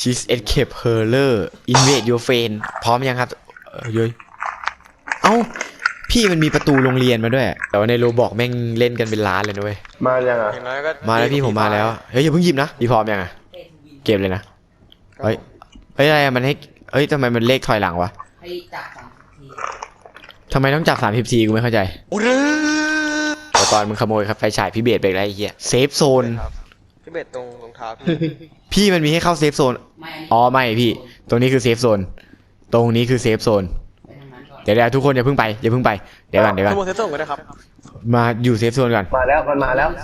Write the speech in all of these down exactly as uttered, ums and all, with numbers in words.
She's escape her invade your friend พร้อมยังครับเออเย้ยเอ้าพี่มันมีประตูโรงเรียนมาด้วยแต่ว่าในโรบอกแม่งเล่นกันเป็นล้านเลยนะเว้ยมายังอ่ะมาแล้วพี่ผมมาแล้วเฮ้ยอย่าเพิ่งหยิบนะพี่พร้อมยังอ่ะเก็บเลยนะเฮ้ยเฮ้ยอะไรมันให้เฮ้ยทำไมมันเลขถอยหลังวะให้จับสามสิบทีทำไมต้องจับสามสิบทีกูไม่เข้าใจแต่ตอนมึงขโมยครับไฟฉายพี่เบสไปไรเหี้ยเซฟโซนพี่เบสตรงรองเท้าพี่พี่มันมีให้เข้าเซฟโซนอ๋อไม่พี่ตรงนี้คือเซฟโซนตรงนี้คือเซฟโซนเดี๋ยวเดี๋ยวทุกคนอย่าเพิ่งไปอย่าเพิ่งไปเดี๋ยวก่อนเดี๋ยวก่อนขโมยเซฟโซนก็ได้ครับมาอยู่เซฟโซนก่อนมาแล้วมันมาแล้ว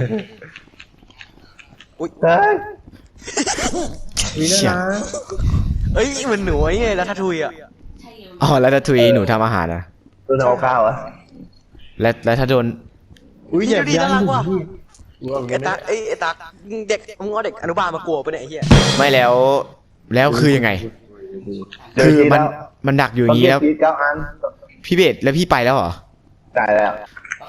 อุ้ยเฮ้ยมีนะเอ้ยมันหนูไงแล้วทัทุยอ่ะอ๋อแล้วถ้าทุยหนูทำอาหารนะโดนเอาข้าวอ่ะและและถ้าโดนอุ้ยอย่าดีน่ารักว่ะไอ้ตาไอ้ตาเด็กมึงเอาเด็กอนุบาลมากลัวปะเนี่ยไอ้เหี้ยไม่แล้วแล้วคือยังไงคือมันมันดักอยู่อย่างนี้แล้วพี่เบสแล้วพี่ไปแล้วเหรอตายแล้ว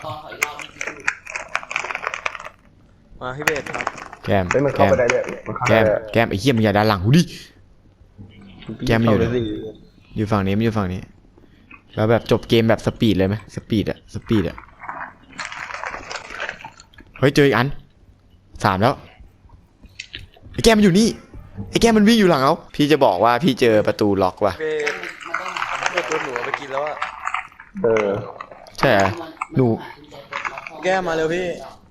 มาพี่เบสครับแก้มแก้มแก้มแก้มไอ้เหี้ยมึงอย่าดันหลังกูดิแก้มอยู่อยู่ฝั่งนี้มันอยู่ฝั่งนี้แล้วแบบจบเกมแบบสปีดเลยไหมสปีดอะสปีดอะเฮ้ยเจออีกอันสามแล้วไอ้แก้มมันอยู่นี่ไอ้แก้มมันวิ่งอยู่หลังเขาพี่จะบอกว่าพี่เจอประตูล็อกว่ะเบสตัวหนูไปกินแล้วอะเออใช่หนูแก้มาเร็วพี่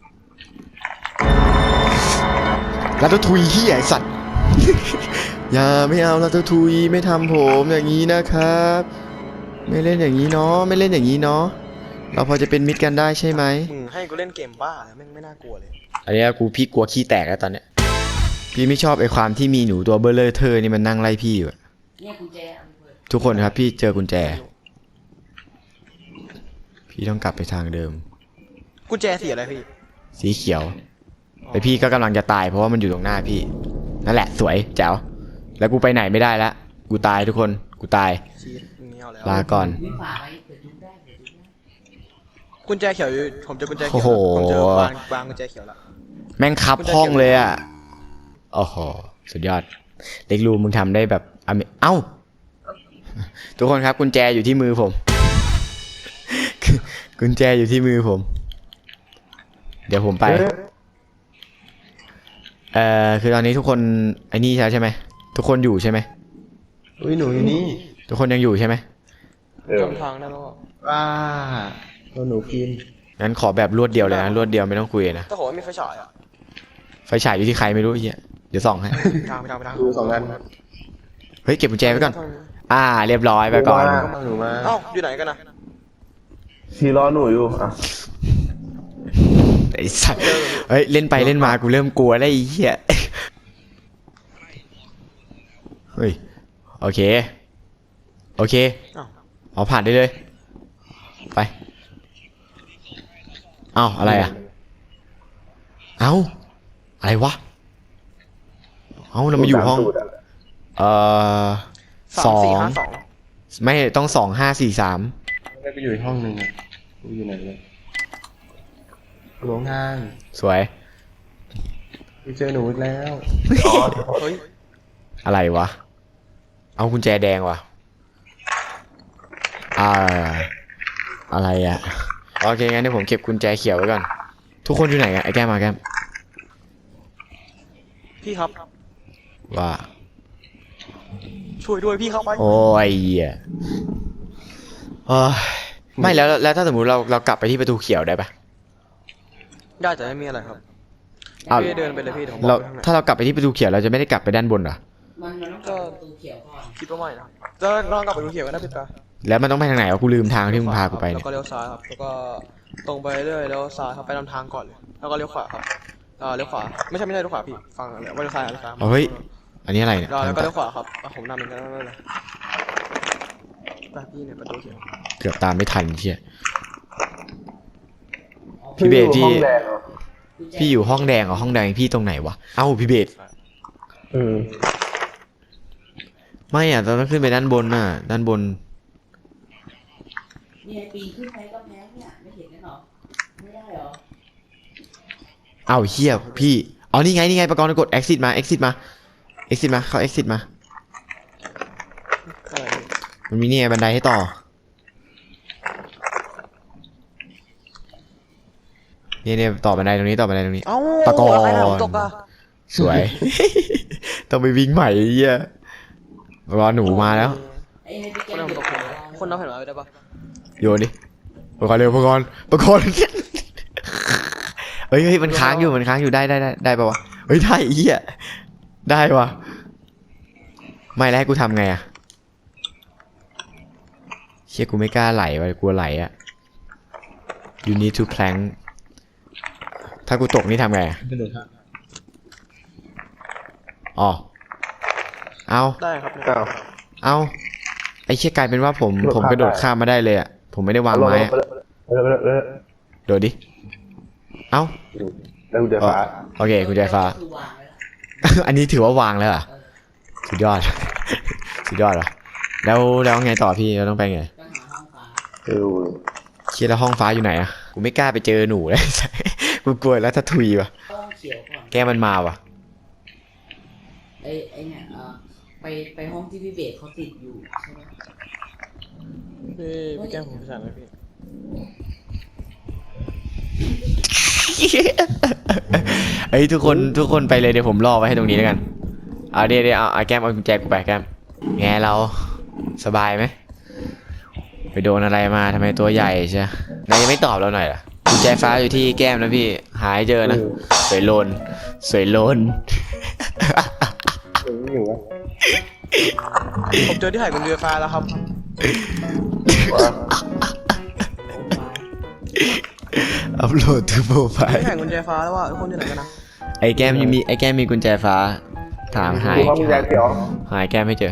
ลัตทุยที่ใหญ่สัตว์อย่าไม่เอาลัตทุยไม่ทำผมอย่างนี้นะครับไม่เล่นอย่างนี้เนาะไม่เล่นอย่างนี้เนาะเราพอจะเป็นมิตรกันได้ใช่ไหมให้กูเล่นเกมบ้าแล้วแม่งไม่น่ากลัวเลยอันนี้กูพี่กลัวขี้แตกแล้วตอนเนี้ยพี่ไม่ชอบไอ้ความที่มีหนูตัวเบลเลอร์เธอนี่มันนั่งไล่พี่อยู่ทุกคนครับพี่เจอกุญแจพี่ต้องกลับไปทางเดิมกุญแจสีอะไรพี่สีเขียวแต่พี่ก็กำลังจะตายเพราะว่ามันอยู่ตรงหน้าพี่นั่นแหละสวยแจ๋วแล้วกูไปไหนไม่ได้แล้วกูตายทุกคนกูตายลาก่อนกุญแจเขียวผมเจอกุญแจเขียวผมเจอวางวางกุญแจเขียวแล้วแม่งคับห้องเลยอ่ะโอ้โหสุดยอดเล็กรูมึงทำได้แบบเอ้าทุกคนครับกุญแจอยู่ที่มือผมกุญแจอยู่ที่มือผมเดี๋ยวผมไปเอ่อคือตอนนี้ทุกคนไอ้นี่ใช่ไหมทุกคนอยู่ใช่ไหมอุ้ยหนูอยู่นี่ทุกคนยังอยู่ใช่ไหมจำทางได้แล้วว้าตัวหนูกินงั้นขอแบบรวดเดียวเลยนะรวดเดียวไม่ต้องคุยนะแต่โหไม่ไฟฉายอ่ะไฟฉายอยู่ที่ใครไม่รู้เฮียเดี๋ยวส่องให้ทางไปทางไปทางดูสองอันเฮ้ยเก็บกุญแจไว้ก่อนอ่าเรียบร้อยไปก่อนเอ้าอยู่ไหนกันนะที่รอหนูอยู่อ่ะไอ้สัสเฮ้ยเล่นไปเล่นมากูเริ่มกลัวแล้วไอ้เหี้ยเฮ้ยโอเคโอเคเอาผ่านได้เลยไปเอ้าอะไรอ่ะเอ้าอะไรวะเอ้าเรามาอยู่ห้องเอ่อสองไม่ต้องสองห้าสี่สามไม่ไปอยู่ห้องหนึ่งอ่ะกูอยู่ไหนเลยหลวงงานสวยไปเจอหนูอีกแล้วเฮ้ยอะไรวะเอากุญแจแดงวะอ่าอะไรอ่ะโอเคงั้นเดี๋ยวผมเก็บกุญแจเขียวไว้ก่อนทุกคนอยู่ไหนกันไอ้แก้มมาแก้มพี่ครับว่าช่วยด้วยพี่เข้าไปโอ้ยเออไม่แล้วแล้วถ้าสมมุติเราเรากลับไปที่ประตูเขียวได้ปะได้แต่ไม่มีอะไรครับพี่เดินไปเลยพี่เราถ้าเรากลับไปที่ประตูเขียวเราจะไม่ได้กลับไปด้านบนเหรอมันมันต้องกลับประตูเขียวก่อนคิดว่าไม่นะจะลองกลับไปประตูเขียวกันได้พี่ตาแล้วมันต้องไปทางไหนวะกูลืมทางที่มึงพากูไปแล้วก็เลี้ยวซ้ายครับแล้วก็ตรงไปเรื่อยแล้วซ้ายครับไปตามทางก่อนเลยแล้วก็เลี้ยวขวาครับอ่าเลี้ยวขวาไม่ใช่ไม่ใช่เลี้ยวขวาพี่ฟังเลยว่าเลี้ยวซ้ายเลี้ยวซ้ายเฮ้ยอันนี้อะไรเนี่ยแล้วก็เลี้ยวขวาครับผมนำเหมือนกันนั่นเลยพี่เนี่ยประตูเขียวเกือบตามไม่ทันเชี่ยพี่เบสที่พี่อยู่ห้องแดงเหรอห้องแดงพี่ตรงไหนวะเอ้าพี่เบสอืมไม่อ่ะเราต้องขึ้นไปด้านบนน่ะด้านบนเนี่ยปีนขึ้นไปก็แพ้เนี่ยไม่เห็นกันหรอไม่ได้หรอเอ้าเฮียพี่อ๋อนี่ไงนี่ไงประกรณ์กด exit มา exit มา exit มาเข้า exit มาอะไรพี่มันมีนี่ไงบันไดให้ต่อนี่เนี่ยต่อบันไดตรงนี้ต่อบันไดตรงนี้เอ้าตะกอนอะไรนะผมตกอะสวย ต้องไปวิ่งใหม่ไอ้เหี้ยรอหนูมาแล้วไอ้ให้พี่คแกนมเอาเก็บตกของคนเอาแผ่นไม้ไปได้ปะโยนดิประกอบเร็วประกอบประกอบเฮ้ยเฮ้ยมันค้างอยู่มันค้างอยู่ได้ได้ได้ได้ปะวะเฮ้ยได้ไอ้เหี้ยได้วะไม่แล้วให้กูทำไงอะเชี่ยกูไม่กล้าไหลว่ะกลัวไหลอะ you need to plank ถ้ากูตกนี่ทำไงอะกระโดดฮะอ๋อเอาได้ครับเนี่ยอ้าวเอาไอ้เชี่ยกลายเป็นว่าผมกระโดดผมกระโดดข้ามมาได้เลยอะผมไม่ได้วางไม้อะเออเออเออโดดดิเอ้าแล้วกูจะฟ้าโอเคกุญแจฟ้าคือวางไว้แล้วอันนี้ถือว่าวางแล้วเหรอ่ะสุดยอด สุดยอดว่ะแล้วแล้วไงต่อพี่เราต้องไปไงต้องหาห้องฟ้าเออเชียร์แล้วห้องฟ้าอยู่ไหนอ่ะกูไม่กล้าไปเจอหนูเลย กูกลัวแล้วถ้าทุยว่ะต้องเขียวก่อนแกมันมาว่ะไอ้ไอ้เนี่ยเออไปไปห้องที่พี่เบสเขาติดอยู่ใช่ไหมพี่พี่แก้มผมไปสั่งเลยพี่เอ้ยทุกคนทุกคนไปเลยเดี๋ยวผมรอไว้ให้ตรงนี้แล้วกันเอาเดี๋ยวเดี๋ยวเอาเอาแก้มเอากุญแจกูไปแก้มไงเราสบายไหมไปโดนอะไรมาทำไมตัวใหญ่ใช่นายยังไม่ตอบเราหน่อยเหรอกุญแจฟ้าอยู่ที่แก้มนะพี่หายเจอนะสวยโลนสวยโลนเอออยู่วะผมเจอที่หายกุญแจฟ้าแล้วครับอัพโหลดทูโปรไฟล์ที่หายกุญแจฟ้าแล้วว่าทุกคนอยู่ไหนกันนะไอ้แก้มยังมีไอ้แก้มมีกุญแจฟ้าถามหายกูห้องยาเขียวหายแก้มไม่เจอ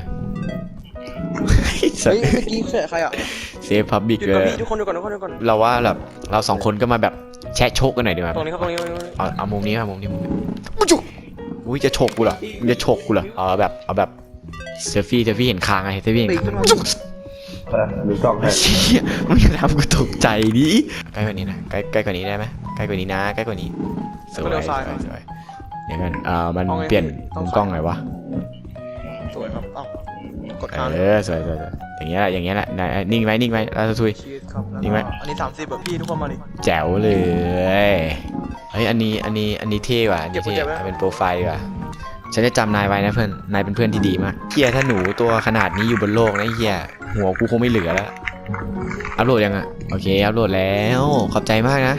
เฮ้ยเมื่อกี้เสียใครอ่ะเซฟพับบิกหยุดเลก่อนยพี่ทุกคนหยุดก่อนทุกคนหยุดก่อนเราว่าแบบเราสองคนก็มาแบบแชะโชกกันหน่อยดีกว่าตรงนี้ครับตรงนี้ตรงนี้เอาเอามุมนี้ครับมุมนี้มุมนี้อุ๊ยจุ๊อุ้ยจะโชกกูเหรอมึงจะโชกกูเหรอเอาแบบเอาแบบเซลฟี่เซลฟี่เห็นคางไงเซลฟี่เห็นปีกคางขึ้นมาเออหรือสองให้เชี่ยมันจะทำกูตกใจดิใกล้กว่านี้นะใกล้ใกล้กว่านี้ได้ไหมใกล้กว่านี้นะใกล้กว่านี้สวยสวยสวยอย่างนั้นอ่ามันเปลี่ยนมุมกล้องหน่อยวะสวยครับเอ้ากดค้างเออสวยสวยสวยอย่างเงี้ยแหละอย่างเงี้ยแหละไหนนิ่งไว้นิ่งไว้เราจะทุยชีสครับแล้วนี่ไหมก็อันนี้สามสิบแบบพี่ทุกคนมาดิแจ๋วเลยเฮ้ยอันนี้อันนี้อันนี้เท่ว่ะอันนี้เท่เก็บไว้เอาเป็นโปรไฟล์ดีกว่าฉันจะจำนายไว้นะเพื่อนนายเป็นเพื่อนที่ดีมากเฮียถ้าหนูตัวขนาดนี้อยู่บนโลกนะเฮียหัวกูคงไม่เหลือแล้วอัพโหลดยังอ่ะโอเคอัพโหลดแล้วขอบใจมากนะ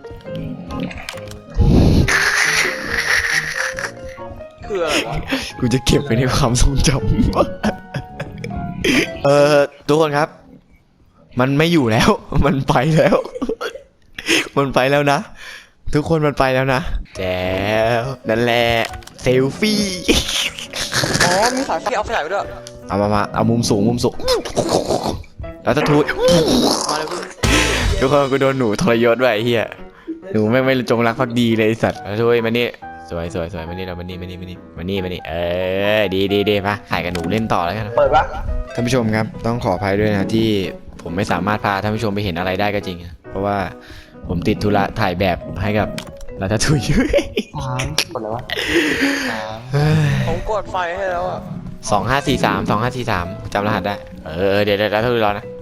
คืออะไรวะกูจะเก็บไว้ในความทรงจำ เออทุกคนครับ มันไม่อยู่แล้ว มันไปแล้ว มันไปแล้วนะ ทุกคนมันไปแล้วนะแจ๋วนั่นแหละเซลฟี่อ๋อมีสายพี่เอาสายไปด้วยเอามามาเอามุมสูงมุมสูงแล้วถ้าทูดมาเลยพี่ทุกคนกูโดนหนูทรยศด้วยไอ้เฮียหนูไม่งไม่จงรักภักดีเลยไอ้สัตว์แล้วทุยมานี่สวยสวยสวยมานี่เรามานี่มานี่มานี่มานี่มานี่เออดีดีดีมาถ่ายกับหนูเล่นต่อแล้วกันเปิดปะท่านผู้ชมครับต้องขออภัยด้วยนะที่ผมไม่สามารถพาท่านผู้ชมไปเห็นอะไรได้ก็จริงนะเพราะว่าผมติดธุระถ่ายแบบให้กับรัตทุยสามคนอะไรวะสามผมกดไฟให้แล้วอ่ะสองห้าสี่สามสองห้าสี่สามจำรหัสได้เออเดี๋ยวเดี๋ยวรัตทุยรอนะ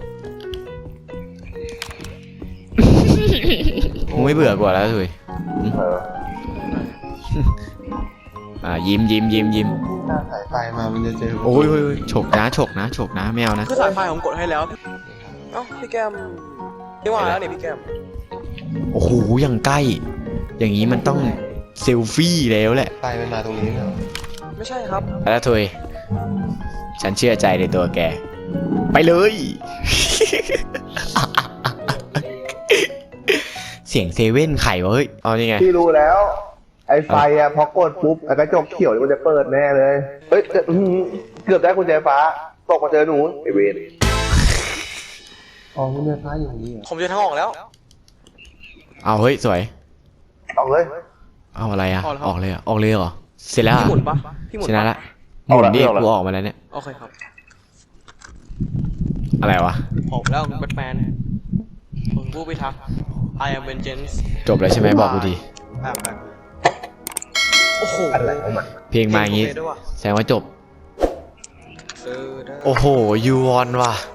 มึงไม่เบื่อกว่ารัตทุยเอออ่ายิ้มยิ้มยิ้มยิ้มถ้าสายไฟมามันจะเจอโอ้ยโอ้ยโอ้ยฉกนะฉกนะฉกนะไม่เอานะคือสายไฟผมกดให้แล้วเอ้าพี่แก้มนี่ว่าแล้วนี่พี่แก้มโอ้โหยังใกล้ อย่างนี้มันต้องเซลฟี่แล้วแหละไฟมันมาตรงนี้นะไม่ใช่ครับรัตทุยฉันเชื่อใจในตัวแกไปเลย เสียงเซเว่นไข่วะเฮ้ยเอานี่ไงพี่รู้แล้ว ไอ้ไฟอะพอกดปุ๊บไอ้กระจกเขียวมันจะเปิดแน่เลยเฮ้ยเกือบอื้อหือเกือบได้กุญแจฟ้าตกมาเจอหนูไอเวรอ๋อกุญแจฟ้าอยู่ตรงนี้เหรอผมเจอทางออกแล้วเอาเฮ้ยสวยออกเลยเอาอะไรอะออกแล้วออกเลยเหรอออกเลยเหรอเสร็จแล้วพี่อะหมุนปะพี่หมุนชปนะละหมุนดิกูออกมาแล้วเนี่ยโอเคครับอะไรวะออกแล้วแบทแมนผมผู้พิทักษ์ I am vengeance จบแล้วใช่ไหมบอกกูทีแบบแบบโโอ้โหอะไรของมันเพลงมาอย่างงี้เพลด้วยว่ะแสดงว่าจบเออได้โอ้โหยูวอนว่ะ